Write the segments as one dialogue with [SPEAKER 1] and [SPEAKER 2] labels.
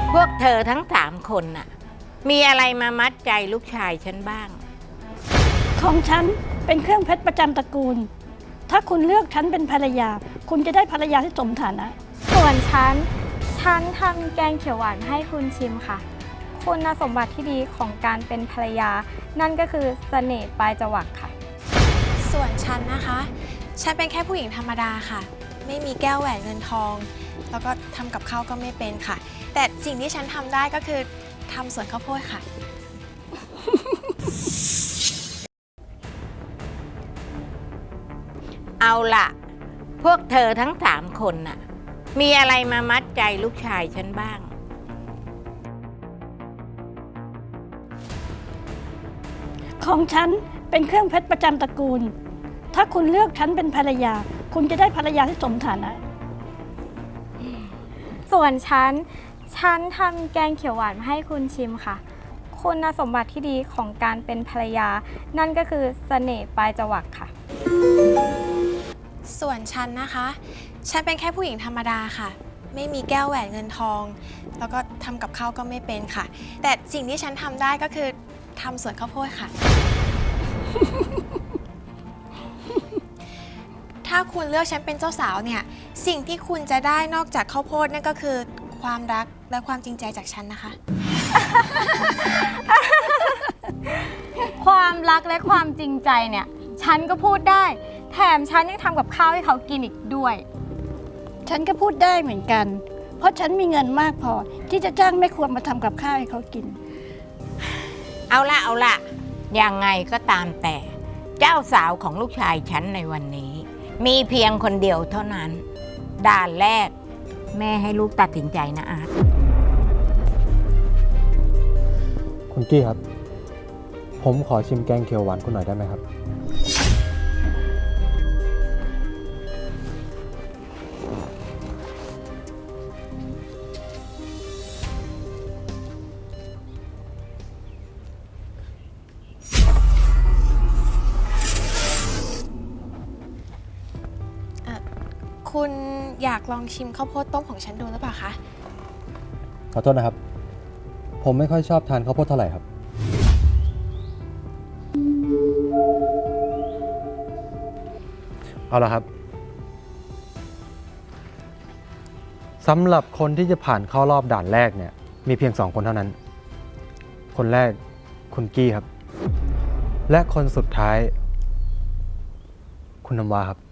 [SPEAKER 1] พวกเธอทั้ง3 คนน่ะมีอะไรมามัดใจลูกชายฉันบ้าง
[SPEAKER 2] ของฉันเป็นเครื่องเพชรประจำตระกูลถ้าคุณเลือกฉันเป็นภรรยาคุณจะได้ภรรยาที่สมฐานะ
[SPEAKER 3] ส่วนฉันทำแกงเขียวหวานให้คุณชิมค่ะคุณสมบัติที่ดีของการเป็นภรรยานั่นก็คือเสน่ห์ปลายจวักค่ะ
[SPEAKER 4] ส่วนฉันนะคะฉันเป็นแค่ผู้หญิงธรรมดาค่ะไม่มีแก้วแหวนเงินทองแล้วก็ทำกับข้าวก็ไม่เป็นค่ะแต่สิ่งที่ฉันทำได้ก็คือทำสวนข้าวโพดค่ะ
[SPEAKER 1] เอาล่ะพวกเธอทั้ง3 คนน่ะมีอะไรมามัดใจลูกชายฉันบ้าง
[SPEAKER 2] ของฉันเป็นเครื่องเพชรประจำตระกูลถ้าคุณเลือกฉันเป็นภรรยาคุณจะได้ภรรยาที่สมฐานะ
[SPEAKER 3] ส่วนฉันทำแกงเขียวหวานให้คุณชิมค่ะคุณสมบัติที่ดีของการเป็นภรรยานั่นก็คือเสน่ห์ปลายจวักค่ะ
[SPEAKER 4] ส่วนฉันนะคะฉันเป็นแค่ผู้หญิงธรรมดาค่ะไม่มีแก้วแหวนเงินทองแล้วก็ทำกับข้าวก็ไม่เป็นค่ะแต่สิ่งที่ฉันทำได้ก็คือทำสวนข้าวโพดค่ะ ถ้าคุณเลือกฉันเป็นเจ้าสาวเนี่ยสิ่งที่คุณจะได้นอกจากข้าวโพดนั่นก็คือความรักและความจริงใจจากฉันนะคะ
[SPEAKER 3] ความรักและความจริงใจเนี่ยฉันก็พูดได้แถมฉันยังทำกับข้าวให้เขากินอีกด้วย
[SPEAKER 2] ฉันก็พูดได้เหมือนกันเพราะฉันมีเงินมากพอที่จะจ้างแม่ครัวมาทำกับข้าวให้เขากิน
[SPEAKER 1] เอาละยังไงก็ตามแต่เจ้าสาวของลูกชายฉันในวันนี้มีเพียงคนเดียวเท่านั้นด่านแรกแม่ให้ลูกตัดสินใจนะอาร์ต
[SPEAKER 5] คุณกี้ครับผมขอชิมแกงเขียวหวานคุณหน่อยได้ไหมครับ
[SPEAKER 4] คุณอยากลองชิมข้าวโพดต้มของฉันดูหรือเปล่าคะ
[SPEAKER 5] ขอโทษนะครับผมไม่ค่อยชอบทานข้าวโพดเท่าไหร่ครับเอาละครับสำหรับคนที่จะผ่านเข้ารอบด่านแรกเนี่ยมีเพียง2 คนเท่านั้นคนแรกคุณกี้ครับและคนสุดท้ายคุณน้ำว้าครับ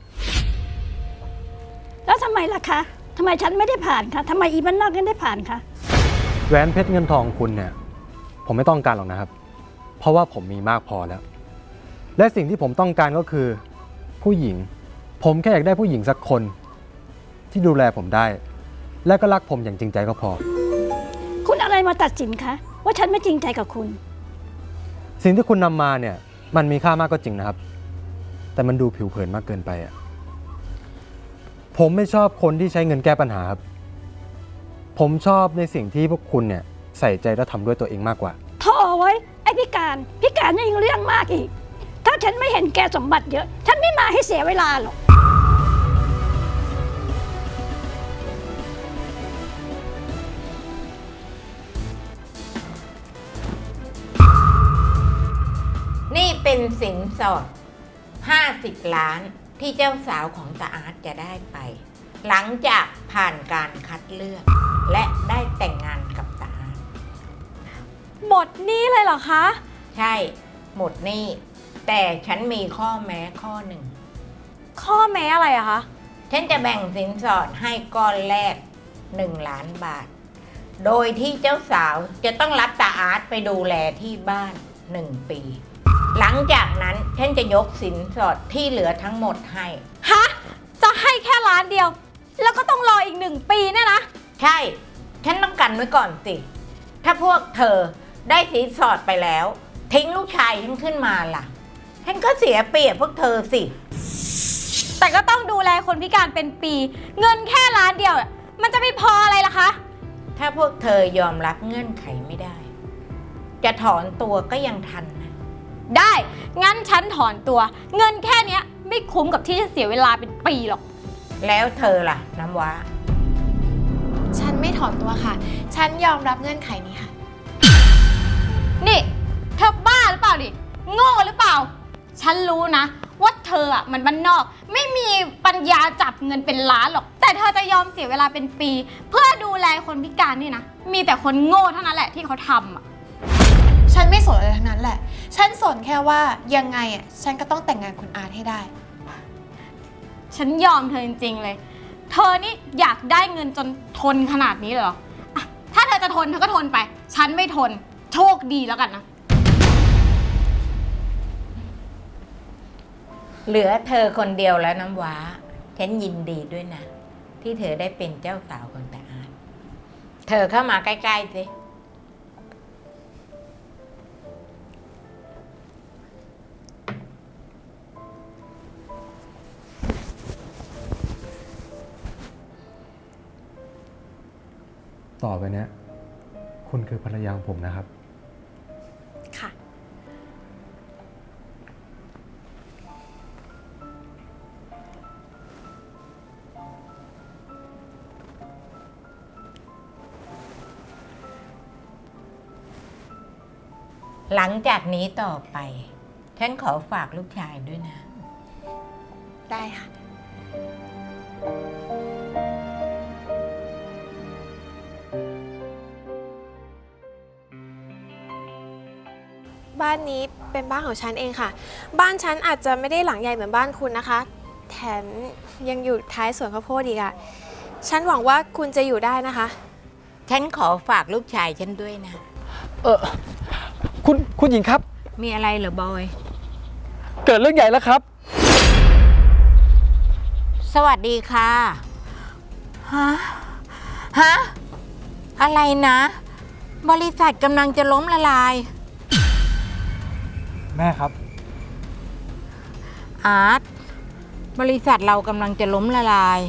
[SPEAKER 2] แล้วทำไมล่ะคะทำไมฉันไม่ได้ผ่านคะทำไมอีบ้านนอกยังได้ผ่านคะ
[SPEAKER 5] แหวนเพชรเงินทองคุณเนี่ยผมไม่ต้องการหรอกนะครับเพราะว่าผมมีมากพอแล้วและสิ่งที่ผมต้องการก็คือผู้หญิงผมแค่อยากได้ผู้หญิงสักคนที่ดูแลผมได้และก็รักผมอย่างจริงใจก็พอ
[SPEAKER 2] คุณอะไรมาตัดสินคะว่าฉันไม่จริงใจกับคุณ
[SPEAKER 5] สิ่งที่คุณนำมาเนี่ยมันมีค่ามากก็จริงนะครับแต่มันดูผิวเผินมากเกินไปอ่ะผมไม่ชอบคนที่ใช้เงินแก้ปัญหาครับผมชอบในสิ่งที่พวกคุณเนี่ยใส่ใจและทำด้วยตัวเองมากกว่า
[SPEAKER 2] โธ่ไว้ไอ้พิการนี่ยังเรื่องมากอีกถ้าฉันไม่เห็นแกสมบัติเยอะฉันไม่มาให้เสียเวลาหรอก
[SPEAKER 1] นี่เป็นสินสอด50 ล้านที่เจ้าสาวของตาอาร์ตจะได้ไปหลังจากผ่านการคัดเลือกและได้แต่งงานกับตาอาร์ต
[SPEAKER 3] หมดหนี้เลยเหรอคะ
[SPEAKER 1] ใช่หมดหนี้แต่ฉันมีข้อแม้ข้อหนึ่ง
[SPEAKER 3] ข้อแม้อะไรอะคะ
[SPEAKER 1] ฉันจะแบ่งสินสอดให้ก้อนแรก1 ล้านบาทโดยที่เจ้าสาวจะต้องรับตาอาร์ตไปดูแลที่บ้าน1 ปีหลังจากนั้นฉันจะยกสินสอดที่เหลือทั้งหมดให้
[SPEAKER 3] ฮะจะให้แค่ล้านเดียวแล้วก็ต้องรออีก1 ปีเนี่ยนะ
[SPEAKER 1] ใช่ฉันต้องกันไว้ก่อนสิถ้าพวกเธอได้สินสอดไปแล้วทิ้งลูกชายฉันขึ้นมาล่ะฉันก็เสียเปรียบพวกเธอสิ
[SPEAKER 3] แต่ก็ต้องดูแลคนพิการเป็นปีเงินแค่ล้านเดียวมันจะไม่พออะไรล่ะคะ
[SPEAKER 1] ถ้าพวกเธอยอมรับเงื่อนไขไม่ได้จะถอนตัวก็ยังทันนะ
[SPEAKER 3] ได้งั้นฉันถอนตัวเงินแค่นี้ไม่คุ้มกับที่จะเสียเวลาเป็นปีหรอก
[SPEAKER 1] แล้วเธอล่ะน้ำว้า
[SPEAKER 4] ฉันไม่ถอนตัวค่ะ ฉันยอมรับเงื่อนไขนี้ค่ะ
[SPEAKER 3] นี่เธอบ้าหรือเปล่าดิโง่หรือเปล่า ฉันรู้นะว่าเธออ่ะมันบ้านนอก ไม่มีปัญญาจับเงินเป็นล้านหรอก แต่เธอจะยอมเสียเวลาเป็นปี เพื่อดูแลคนพิการนี่นะ มีแต่คนโง่เท่านั้นแหละที่เขาทำอ่ะ
[SPEAKER 4] ฉันไม่สนอะไรทั้งนั้นแหละ ฉันสนแค่ว่ายังไงอ่ะ ฉันก็ต้องแต่งงานคุณอาร์ตให้ได้
[SPEAKER 3] ฉันยอมเธอจริงๆเลย เธอนี่อยากได้เงินจนทนขนาดนี้เลยเหรออ่ะถ้าเธอจะทนเธอก็ทนไป ฉันไม่ทน โชคดีแล้วกันนะ
[SPEAKER 1] เหลือเธอคนเดียวแล้วน้ำว้า ฉันยินดีด้วยนะ ที่เธอได้เป็นเจ้าสาวของตาอาร์ตเธอเข้ามาใกล้ๆสิ
[SPEAKER 5] ต่อไปเนี้ยคุณคือภรรยาของผมนะครับ
[SPEAKER 4] ค่ะ
[SPEAKER 1] หลังจากนี้ต่อไป ฉันขอฝากลูกชายด้วยนะ
[SPEAKER 4] ได้ค่ะ บ้านนี้เป็นบ้านของฉันเองค่ะ บ้านฉันอาจจะไม่ได้หลังใหญ่เหมือนบ้านคุณนะคะ แถมยังอยู่ท้ายสวนข้าวโพดอีกอะฉันหวังว่าคุณจะอยู่ได้นะคะ
[SPEAKER 1] ฉันขอฝากลูกชายฉันด้วยนะ
[SPEAKER 5] คุณหญิงครับ
[SPEAKER 1] มีอะไรเหรอบอย
[SPEAKER 5] เกิดเรื่องใหญ่แล้วครับ
[SPEAKER 1] สวัสดีค่ะ ฮะ อะไรนะ บริษัทกำลังจะล้มละลาย
[SPEAKER 5] แม่ครับ
[SPEAKER 1] อาร์ต บริษัทเรากำลังจะล้มละลาย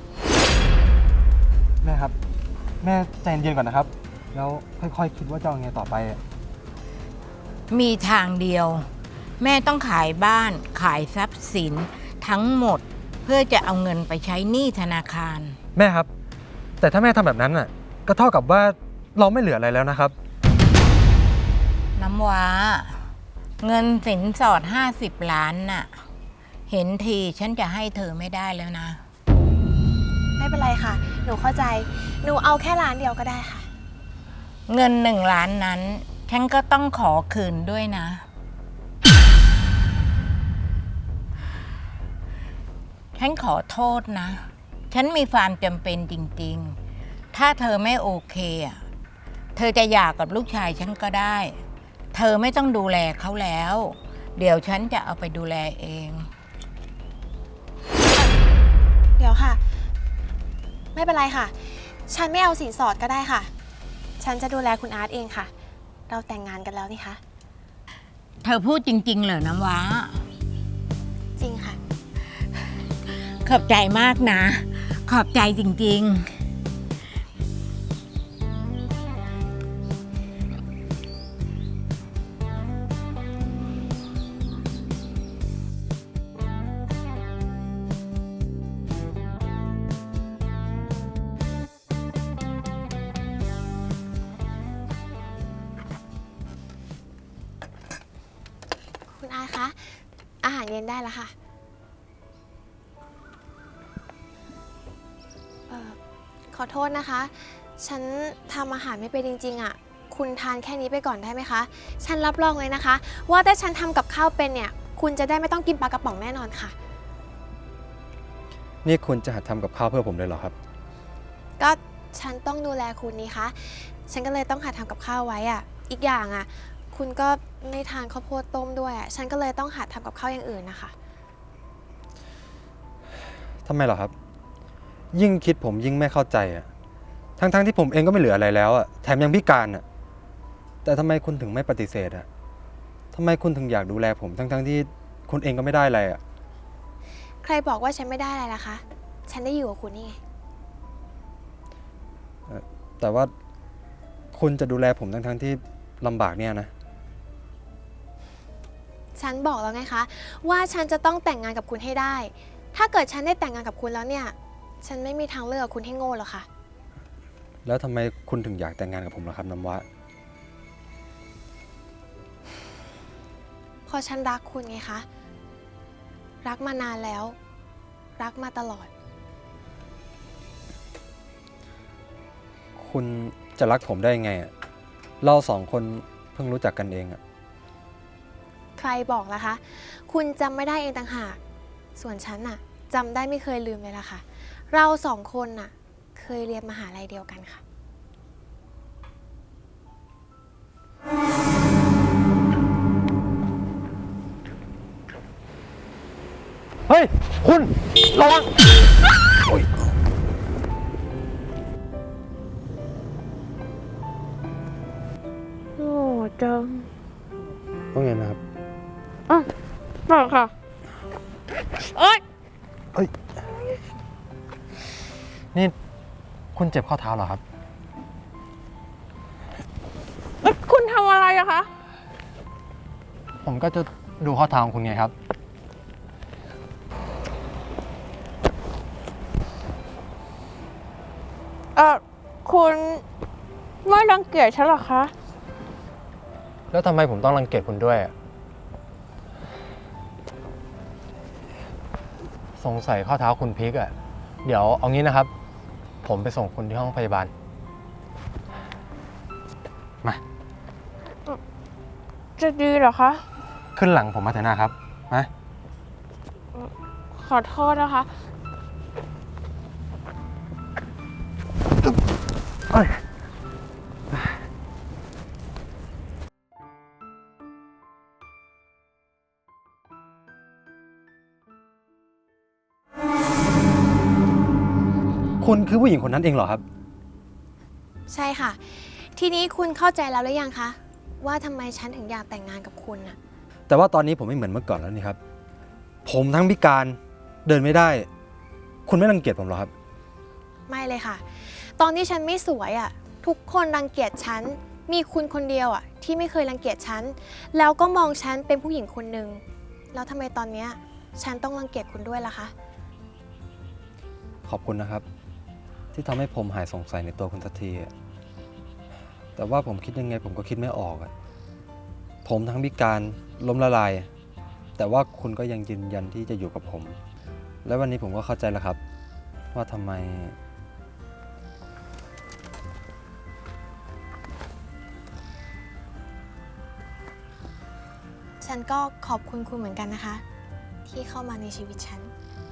[SPEAKER 5] แม่ครับ แม่ใจเย็นๆก่อนนะครับ แล้วค่อยๆคิดว่าจะเอาไงต่อไปอะ
[SPEAKER 1] มีทางเดียว แม่ต้องขายบ้าน ขายทรัพย์สินทั้งหมด เพื่อจะเอาเงินไปใช้หนี้ธนาคาร
[SPEAKER 5] แม่ครับ แต่ถ้าแม่ทำแบบนั้นน่ะ ก็เท่ากับว่าเราไม่เหลืออะไรแล้วนะครับ
[SPEAKER 1] น้ำว้า เงินสินสอด50 ล้านน่ะ เห็นทีฉันจะให้เธอไม่ได้แล้วนะ
[SPEAKER 4] ไม่เป็นไรค่ะ หนูเข้าใจ หนูเอาแค่ร้านเดียวก็ได้ค่ะ
[SPEAKER 1] เงิน1 ล้านนั้น ฉันก็ต้องขอคืนด้วยนะ ฉันขอโทษนะ ฉันมีความจำเป็นจริงๆ ถ้าเธอไม่โอเคอ่ะ เธอจะหย่ากับลูกชายฉันก็ได้ เธอไม่ต้องดูแลเขาแล้ว เดี๋ยวฉันจะเอาไปดูแลเอง
[SPEAKER 4] เดี๋ยวค่ะ ไม่เป็นไรค่ะ ฉันไม่เอาสินสอดก็ได้ค่ะ ฉันจะดูแลคุณอาร์ตเองค่ะ เราแต่งงานกันแล้วนี่คะ
[SPEAKER 1] เธอพูดจริงๆเหรอน้ำว้า
[SPEAKER 4] จริงค่ะ
[SPEAKER 1] ขอบใจมากนะ ขอบใจจริงๆ
[SPEAKER 4] คุณอาร์ตคะ อาหารเย็นได้แล้วค่ะ ขอโทษนะคะ ฉันทำอาหารไม่เป็นจริงๆอ่ะ คุณทานแค่นี้ไปก่อนได้ไหมคะ ฉันรับรองเลยนะคะ ว่าถ้าฉันทำกับข้าวเป็นเนี่ย คุณจะได้ไม่ต้องกินปลากระป๋องแน่นอนค่ะ
[SPEAKER 5] นี่คุณจะหัดทำกับข้าวเพื่อผมเลยเหรอครับ
[SPEAKER 4] ก็ฉันต้องดูแลคุณนี่คะ ฉันก็เลยต้องหัดทำกับข้าวไว้อ่ะ อีกอย่างอ่ะ คุณก็ไม่ทานข้าวโพดต้มด้วยอ่ะ ฉันก็เลยต้องหัดทำกับข้าวอย่างอื่นนะคะ
[SPEAKER 5] ทำไมเหรอครับ ยิ่งคิดผมยิ่งไม่เข้าใจอะทั้งที่ผมเองก็ไม่เหลืออะไรแล้วอะแถมยังพิการอะแต่ทำไมคุณถึงไม่ปฏิเสธอะทำไมคุณถึงอยากดูแลผมทั้งที่คุณเองก็ไม่ได้อะไรอะ
[SPEAKER 4] ใครบอกว่าฉันไม่ได้อะไรล่ะคะ ฉันได้อยู่กับคุณนี่ไง
[SPEAKER 5] แต่ว่าคุณจะดูแลผมทั้งที่ลำบากเนี่ยนะ
[SPEAKER 4] ฉันบอกแล้วไงคะ ว่าฉันจะต้องแต่งงานกับคุณให้ได้ ถ้าเกิดฉันได้แต่งงานกับคุณแล้วเนี่ย ฉันไม่มีทางเลือกคุณให้โง่หรอกค่ะ
[SPEAKER 5] แล้วทำไมคุณถึงอยากแต่งงานกับผมล่ะครับน้ำว้า
[SPEAKER 4] เพราะฉันรักคุณไงคะ รักมานานแล้ว รักมาตลอด
[SPEAKER 5] คุณจะรักผมได้ยังไงอะเราสองคนเพิ่งรู้จักกันเองอะ
[SPEAKER 4] ใครบอกล่ะคะ คุณจำไม่ได้เองต่างหาก ส่วนฉันน่ะจำได้ไม่เคยลืมเลยล่ะค่ะ เราสองคนน่ะเคยเรียนมหาลัยเดียวกันค่ะ
[SPEAKER 5] เฮ้ย คุณระวังโอ๊ย
[SPEAKER 4] โอ้จัง
[SPEAKER 5] ต้องเงินนะครับ
[SPEAKER 4] เปล่าค่ะ เอ้ย
[SPEAKER 5] เอ้ย นี่คุณเจ็บข้อเท้าเหรอครับ
[SPEAKER 4] คุณทำอะไรอะคะ
[SPEAKER 5] ผมก็จะดูข้อเท้าของคุณไงครับ
[SPEAKER 4] คุณไม่รังเกียจฉันหรอคะ
[SPEAKER 5] แล้วทำไมผมต้องรังเกียจคุณด้วยอะสงสัยข้อเท้าคุณพลิกอะเดี๋ยวเอางี้นะครับ ผมไปส่งคุณที่ห้องพยาบาล มา
[SPEAKER 4] จะดีเหรอคะ
[SPEAKER 5] ขึ้นหลังผมมาเถอะนะครับมา
[SPEAKER 4] ขอโทษนะคะ
[SPEAKER 5] เอ้ย คุณคือผู้หญิงคนนั้นเองเหรอครับ
[SPEAKER 4] ใช่ค่ะ ทีนี้คุณเข้าใจแล้วหรือยังคะ ว่าทำไมฉันถึงอยากแต่งงานกับคุณน่ะ
[SPEAKER 5] แต่ว่าตอนนี้ผมไม่เหมือนเมื่อก่อนแล้วนี่ครับ ผมทั้งพิการเดินไม่ได้ คุณไม่รังเกียจผมเหรอครับ
[SPEAKER 4] ไม่เลยค่ะ ตอนที่ฉันไม่สวยอ่ะ ทุกคนรังเกียจฉัน มีคุณคนเดียวอ่ะที่ไม่เคยรังเกียจฉัน แล้วก็มองฉันเป็นผู้หญิงคนหนึ่ง แล้วทำไมตอนเนี้ยฉันต้องรังเกียจคุณด้วยล่ะคะ
[SPEAKER 5] ขอบคุณนะครับ ที่ทำให้ผมหายสงสัยในตัวคุณสักทีอะแต่ว่าผมคิดยังไงผมก็คิดไม่ออกอะผมทั้งพิการล้มละลาย แต่ว่าคุณก็ยังยืนยันที่จะอยู่กับผม และวันนี้ผมก็เข้าใจแล้วครับ ว่าทำไม
[SPEAKER 4] ฉันก็ขอบคุณคุณเหมือนกันนะคะ ที่เข้ามาในชีวิตฉัน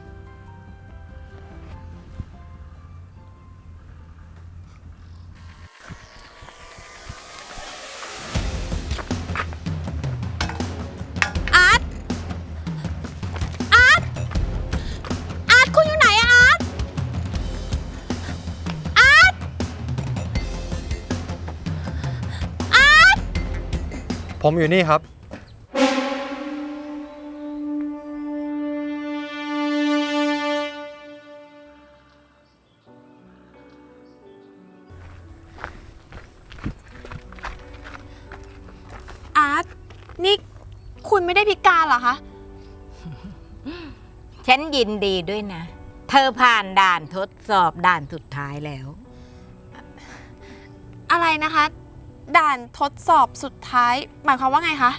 [SPEAKER 4] อาร์ต อาร์ต อาร์ต คุณอยู่ไหนอะอาร์ต อาร์ต อาร์ต
[SPEAKER 5] ผมอยู่นี่ครับ
[SPEAKER 4] อาร์ต นี่คุณไม่ได้พิการเหรอคะ
[SPEAKER 1] ฉันยินดีด้วยนะ เธอผ่านด่านทดสอบด่านสุดท้ายแล้ว
[SPEAKER 4] อะไรนะคะ ด่านทดสอบสุดท้าย หมายความว่าไงคะ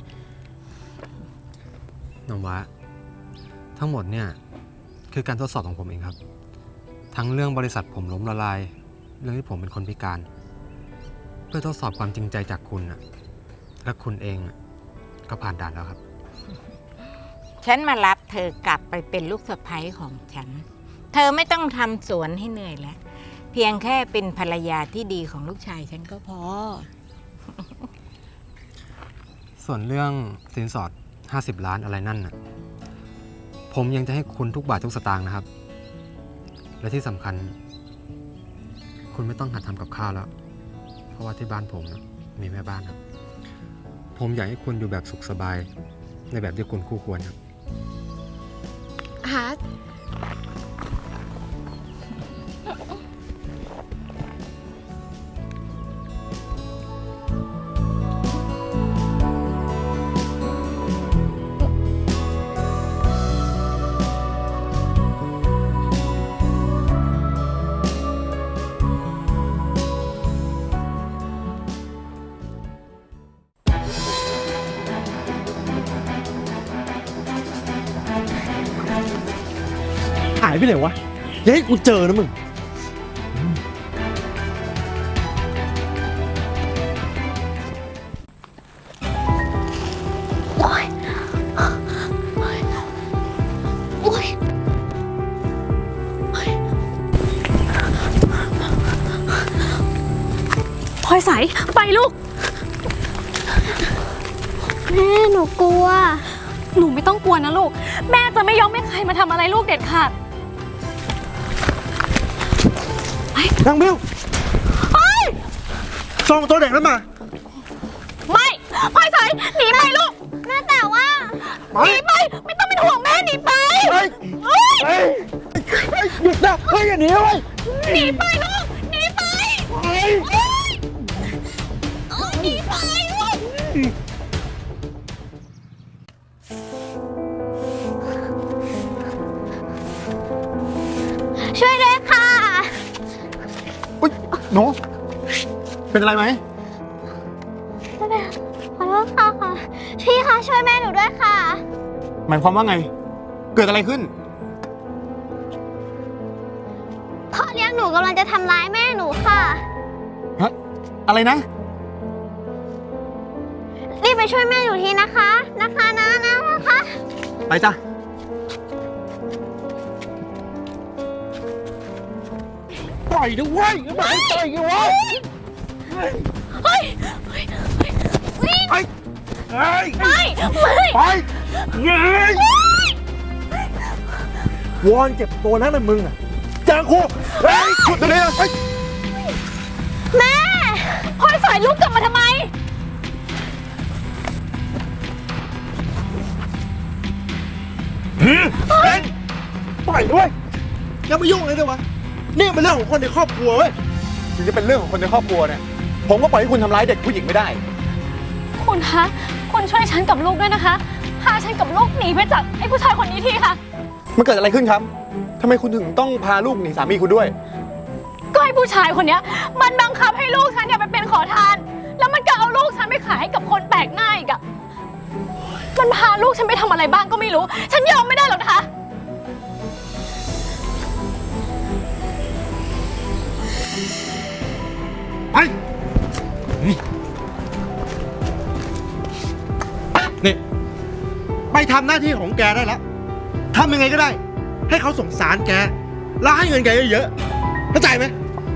[SPEAKER 5] น้องวะทั้งหมดเนี่ยคือการทดสอบของผมเองครับ ทั้งเรื่องบริษัทผมล้มละลาย เรื่องที่ผมเป็นคนพิการ เพื่อทดสอบความจริงใจจากคุณนะและคุณเองน่ะก็ผ่านด่านแล้วครับ
[SPEAKER 1] ฉันมารับเธอกลับไปเป็นลูกสะใภ้ของฉัน เธอไม่ต้องทำสวนให้เหนื่อยแล้ว เพียงแค่เป็นภรรยาที่ดีของลูกชายฉันก็พอ
[SPEAKER 5] ส่วนเรื่องสินสอด 50 ล้านอะไรนั่นน่ะผมยังจะให้คุณทุกบาททุกสตางค์นะครับ และที่สำคัญ คุณไม่ต้องหัดทำกับข้าวแล้ว เพราะว่าที่บ้านผมนะมีแม่บ้านครับ ผมอยากให้คุณอยู่แบบสุขสบาย ในแบบที่คุณคู่ควรครับ
[SPEAKER 4] อาร์ต
[SPEAKER 6] ายไปไหนวะอย่าให้กูเจอนะมึง
[SPEAKER 3] พลอยใสไปลูก
[SPEAKER 7] แม่หนูกลัว
[SPEAKER 3] หนูไม่ต้องกลัวนะลูก แม่จะไม่ยอมให้ใครมาทำอะไรลูกเด็ดขาด
[SPEAKER 6] นางบิวส่งตัวเด็กนั้นมา
[SPEAKER 3] ไม่พลอยใสหนีไปลูก
[SPEAKER 7] แม่แต่ว่า
[SPEAKER 6] ไป
[SPEAKER 3] หนีไป ไม่ต้องเป็นห่วงแม่หนีไป
[SPEAKER 6] เฮ้ย
[SPEAKER 3] เฮ้ย
[SPEAKER 6] เฮ้ยเฮ้ยหยุดนะเฮ้ยอย่าหนีเว้ย
[SPEAKER 3] หนีไปลูกหนีไป
[SPEAKER 6] เฮ้ย
[SPEAKER 3] เฮ้ยหนีไปลูก
[SPEAKER 7] ช่วยด้วยค่ะ
[SPEAKER 6] อุ๊ยหนูเป็นอะไรไหม
[SPEAKER 7] ขอโทษค่ะพี่คะช่วยแม่หนูด้วยค่ะ
[SPEAKER 6] หมายความว่าไง เกิดอะไรขึ้น
[SPEAKER 7] พ่อเลี้ยงหนูกำลังจะทำร้ายแม่หนูค่ะ
[SPEAKER 6] ฮะ อะไรนะ
[SPEAKER 7] รีบไปช่วยแม่หนูทีนะคะนะคะนะคะ
[SPEAKER 6] ไปจ้ะ ปล่อยด้วยไม่ให้ปล่อยกันวะเฮ้ย
[SPEAKER 3] เฮ้ย
[SPEAKER 6] ไป
[SPEAKER 3] ไม่
[SPEAKER 6] ไป
[SPEAKER 3] ไม่
[SPEAKER 6] ไปเงยวอนเจ็บตัวนักเลยมึงอ่ะเจอกูเฮ้ยขุดตัวนี้นะเฮ้ย
[SPEAKER 7] แม่
[SPEAKER 3] พลอยใสลูกกลับมาทำไม
[SPEAKER 6] เฮ้ยปล่อยด้วยอย่ามายุ่งเลยด้วยวะนี่เป็นเรื่องของคนในครอบครัวเว้ยถึงจะเป็นเรื่องของคนในครอบครัวเนี่ยผมก็ปล่อยให้คุณทำร้ายเด็กผู้หญิงไม่ได้
[SPEAKER 3] คุณคะ คุณช่วยฉันกับลูกด้วยนะคะ พาฉันกับลูกหนีไปจากไอ้ผู้ชายคนนี้ทีค่ะ
[SPEAKER 6] มันเกิดอะไรขึ้นครับทำไมคุณถึงต้องพาลูกหนีสามีคุณด้วย
[SPEAKER 3] ก็ไอ้ผู้ชายคนเนี้ยมันบังคับให้ลูกฉันเนี่ยไปเป็นขอทาน แล้วมันก็เอาลูกฉันไปขายให้กับคนแปลกหน้าอีกอะมันพาลูกฉันไปทำอะไรบ้างก็ไม่รู้ ฉันยอมไม่ได้หรอกนะคะ
[SPEAKER 6] ไป นี่ ไปทำหน้าที่ของแกได้แล้วทำยังไงก็ได้ ให้เขาสงสารแก แล้วให้เงินแกเยอะๆเข้าใจไหม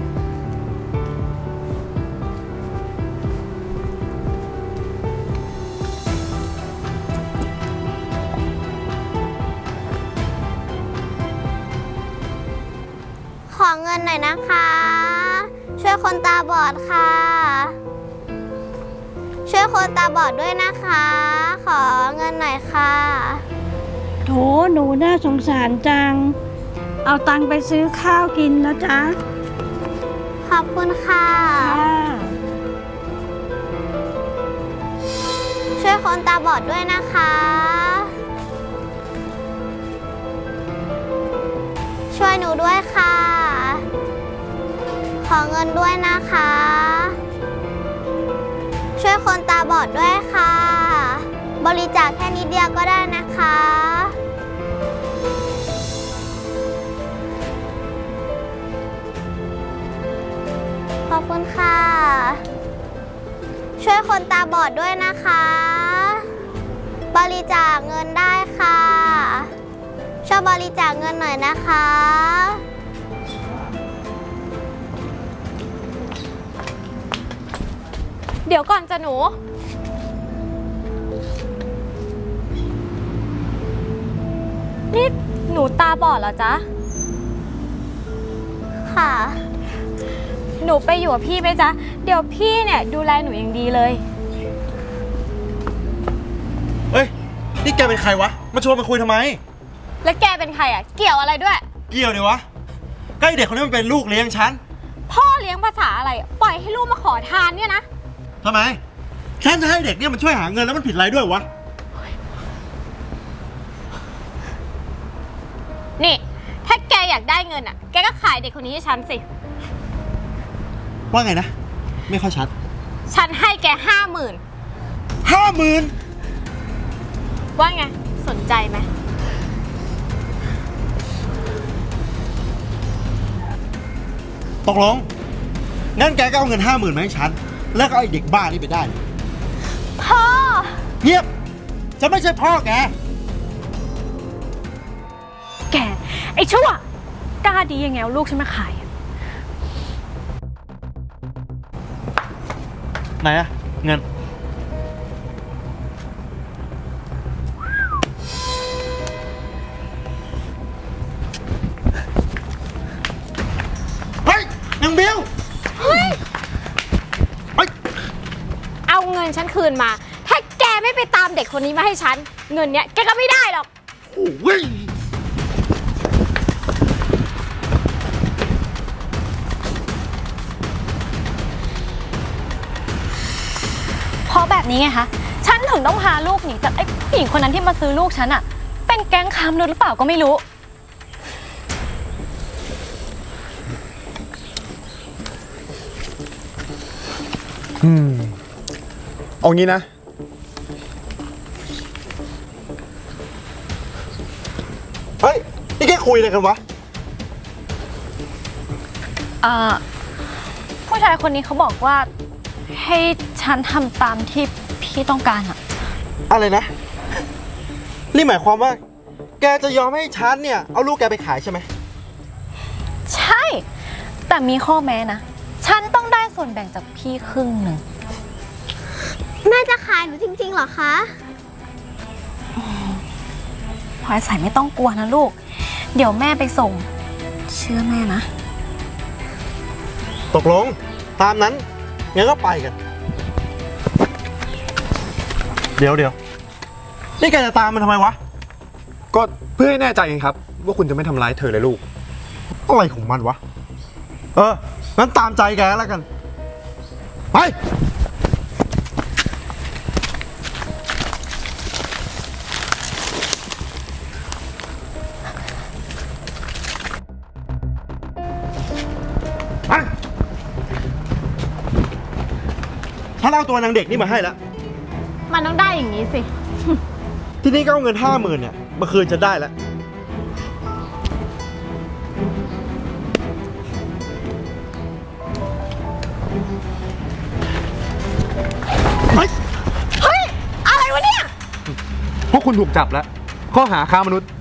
[SPEAKER 7] ขอเงินหน่อยนะคะ ช่วยคนตาบอดค่ะ ช่วยคนตาบอดด้วยนะคะ ขอเงินหน่อยค่ะ
[SPEAKER 2] โถหนูน่าสงสารจัง เอาตังค์ไปซื้อข้าวกินนะจ๊ะ
[SPEAKER 7] ขอบคุณค่ะ ช่วยคนตาบอดด้วยนะคะ ช่วยหนูด้วยค่ะ ขอเงินด้วยนะคะ ช่วยคนตาบอดด้วยค่ะ บริจาคแค่นิดเดียวก็ได้นะคะ ขอบคุณค่ะ ช่วยคนตาบอดด้วยนะคะ บริจาคเงินได้ค่ะช่วยบริจาคเงินหน่อยนะคะ
[SPEAKER 3] เดี๋ยวก่อนจ้ะหนู นี่หนูตาบอดเหรอจ๊ะ
[SPEAKER 7] ค่ะ
[SPEAKER 3] หนูไปอยู่กับพี่ไหมจ๊ะ เดี๋ยวพี่เนี่ยดูแลหนูอย่างดีเลย
[SPEAKER 6] เฮ้ย นี่แกเป็นใครวะ มาชวนมาคุยทำไม
[SPEAKER 3] แล้วแกเป็นใครอ่ะ เกี่ยวอะไรด้วย
[SPEAKER 6] เกี่ยวดิวะใกล้เด็กคนนี้มันเป็นลูกเลี้ยงฉัน
[SPEAKER 3] พ่อเลี้ยงภาษาอะไรอะปล่อยให้ลูกมาขอทานเนี่ยนะ
[SPEAKER 6] ทำไม ฉันจะให้เด็กเนี่ยมันช่วยหาเงินแล้วมันผิดอะไรด้วยวะ
[SPEAKER 3] นี่ ถ้าแกอยากได้เงินอ่ะ แกก็ขายเด็กคนนี้ให้ฉันสิ
[SPEAKER 6] ว่าไงนะ ไม่ค่อยชัด
[SPEAKER 3] ฉันให้แก50,000
[SPEAKER 6] 50,000
[SPEAKER 3] ว่าไง สนใจไหม
[SPEAKER 6] ตกลง งั้นแกก็เอาเงิน 50,000มาให้ฉัน แล้วก็เอาไอ้เด็กบ้านี่ไปได้
[SPEAKER 3] พ่อ
[SPEAKER 6] เงียบ ฉันไม่ใช่พ่อแก
[SPEAKER 8] แก ไอ้ชั่วกล้าดียังไงเอาลูกฉันมาขายอะ
[SPEAKER 6] ไหนอะเงิน เฮ้ยนางบิวเฮ้ย
[SPEAKER 3] เอาเงินฉันคืนมา ถ้าแกไม่ไปตามเด็กคนนี้มาให้ฉัน เงินเนี้ยแกก็ไม่ได้หรอก
[SPEAKER 6] โอ้ย
[SPEAKER 8] เพราะแบบนี้ไงคะ ฉันถึงต้องพาลูกหนีจากไอ้ผู้หญิงคนนั้นที่มาซื้อลูกฉันอะเป็นแก๊งค้ามนุษย์หรือเปล่าก็ไม่รู้
[SPEAKER 6] เอางี้นะ เฮ้ย นี่แกคุยอะไรกันวะ
[SPEAKER 8] ผู้ชายคนนี้เขาบอกว่าให้ฉันทำตามที่พี่ต้องการอะ
[SPEAKER 6] อะไรนะ นี่หมายความว่า แกจะยอมให้ฉันเนี่ย เอาลูกแกไปขายใช่ไหม
[SPEAKER 8] ใช่ แต่มีข้อแม้นะ ฉันต้องได้ส่วนแบ่งจากพี่ครึ่งหนึ่ง
[SPEAKER 7] แม่จะขายหนูจริงๆเหรอคะ
[SPEAKER 8] พลอยใส่ไม่ต้องกลัวนะลูก เดี๋ยวแม่ไปส่ง เชื่อแม่นะ
[SPEAKER 6] ตกลง ตามนั้น งั้นก็ไปกัน เดี๋ยว นี่แกจะตามมันทำไมวะ
[SPEAKER 5] ก็เพื่อให้แน่ใจเองครับ ว่าคุณจะไม่ทำร้ายเธอเลยลูก
[SPEAKER 6] อะไรของมันวะ งั้นตามใจแกแล้วกัน ไป ไป ฉันเอาตัวนางเด็กนี่มาให้แล้ว
[SPEAKER 3] มันต้องได้อย่างนี้สิ
[SPEAKER 6] ที่นี่ก็เอาเงิน 50,000เนี่ยมาคืนฉันได้แล้ว
[SPEAKER 3] เฮ้ย อะไรวะเนี่ย
[SPEAKER 5] พวกคุณถูกจับแล้ว ข้อหาค้ามนุษย์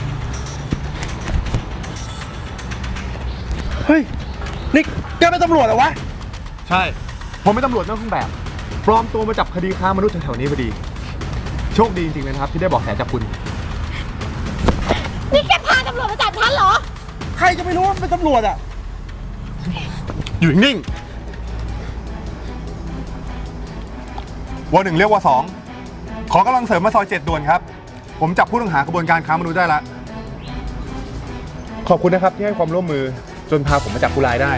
[SPEAKER 6] เฮ้ย นี่แกเป็นตำรวจเหรอวะ
[SPEAKER 5] ใช่ ผมเป็นตำรวจนอกเครื่องแบบ ปลอมตัวมาจับคดีค้ามนุษย์แถวๆนี้พอดี โชคดีจริงๆเลยนะครับ ที่ได้เบอกแสจับคุณ
[SPEAKER 3] นี่แกพาตำรวจมาจับฉันเหรอ
[SPEAKER 6] ใครจะไม่รู้ว่าเป็นตำรวจอ่ะ
[SPEAKER 5] อยู่นิ่งว.1 เรียกว่า2ขอกำลังเสริมมาซอย7ด่วนครับ ผมจับผู้ต้องหากระบวนการค้ามนุษย์ได้แล้ว ขอบคุณนะครับที่ให้ความร่วมมือจนพาผมมาจับผู้ร้ายได้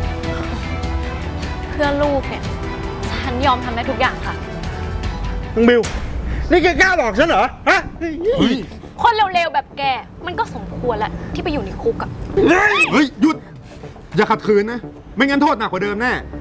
[SPEAKER 8] เพื่อลูกเนี่ย ฉันยอมทำได้ทุกอย่างค่ะ
[SPEAKER 6] น้องบิว นี่แกกล้าหลอกฉันเหรอ ฮะ
[SPEAKER 5] เฮ้ย
[SPEAKER 8] คนเร็วๆแบบแก มันก็สมควรแล้วที่ไปอยู่ในคุกอะ
[SPEAKER 5] เฮ้ย หยุด อย่าขัดขืนนะ ไม่งั้นโทษหนักกว่าเดิมแน่